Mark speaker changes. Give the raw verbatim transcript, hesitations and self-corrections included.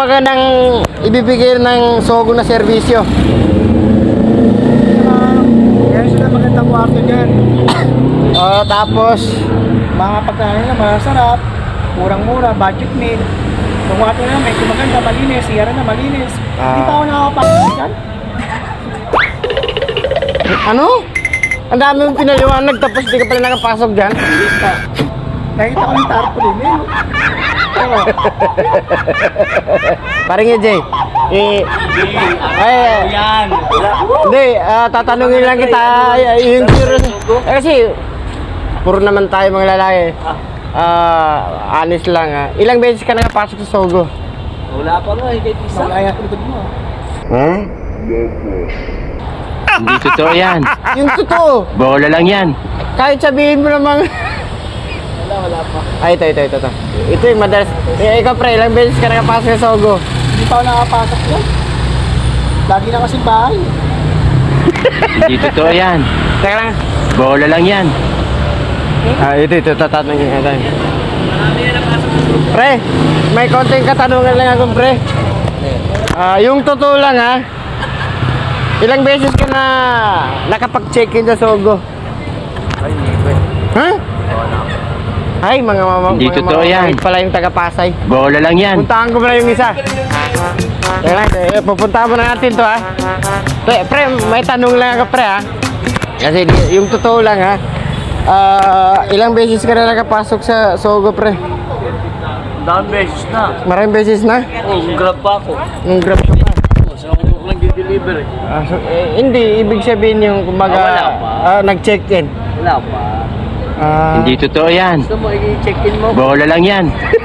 Speaker 1: magandang ibibigay ng Sogo na serbisyo?
Speaker 2: Meron sila magandang kwarto dyan.
Speaker 1: Oh, tapos
Speaker 2: Mga pagkain na masarap, murang-mura, budget meal. Yung kwarto na may maganda, malinis, siyara na malinis. Hindi pa ako nakakapasok dyan.
Speaker 1: ano? Ang dami mong pinaliwanag tapos di ka pala nakapasok dyan?
Speaker 2: Nakita ko yung tarpaulin eh. Oo.
Speaker 1: Parang E J. Eh, ay,
Speaker 2: Yan.
Speaker 1: hindi, ah, tatanungin lang kita ay, yung curious. Eh, kasi, puro naman tayo mga lalaki. Ah, honest lang ah. Ilang beses ka nakapasok sa Sogo?
Speaker 3: Wala pa nga, higit isa.
Speaker 2: Malaya sa likod mo.
Speaker 1: Huh?
Speaker 3: Hindi totoo yan.
Speaker 1: Yung totoo.
Speaker 3: Bola lang yan.
Speaker 1: Kahit sabihin mo namang...
Speaker 2: Wala, wala pa.
Speaker 1: Ay, ito, ito, ito, ito. Ito yung madalas. Eh, ikaw pre, ilang beses ka nakapasok sa Sogo?
Speaker 2: Hindi pa ako nakapasok dyan. Lagi na kasing bahay.
Speaker 3: Hindi totoo yan.
Speaker 1: Teka lang.
Speaker 3: Bola lang yan.
Speaker 1: Ah, ito, ito, tatanungin natin. Pre, may konting katanungan lang ako, pre. Ah, yung totoo lang ha. Ilang beses ka na nakapag-check-in sa Sogo? Ha? Ay, mga mama,
Speaker 3: Hindi
Speaker 1: mga
Speaker 3: totoo yan.
Speaker 1: mababait pala yung taga-Pasay.
Speaker 3: Bola lang yan.
Speaker 1: Puntahan ko muna yung isa. Teka lang, eh, pupuntahan muna natin to ha. Pre, pre, may tanong lang ako pre ha. Kasi di- yung totoo lang ha. Ah, ilang beses ka na nakapasok sa Sogo pre?
Speaker 3: Daan beses na.
Speaker 1: Maraming beses na?
Speaker 3: Oh, grab pa ako.
Speaker 1: Nung grab ka pa.
Speaker 3: So ako ko lang di-deliver eh.
Speaker 1: Ah, so, eh, hindi, ibig sabihin yung kumbaga
Speaker 3: Ah, wala pa.
Speaker 1: ah, nag-check-in.
Speaker 3: Wala pa.
Speaker 1: Ah,
Speaker 3: Hindi totoo yan.
Speaker 2: Gusto mo i-check-in mo?
Speaker 3: Bola lang yan.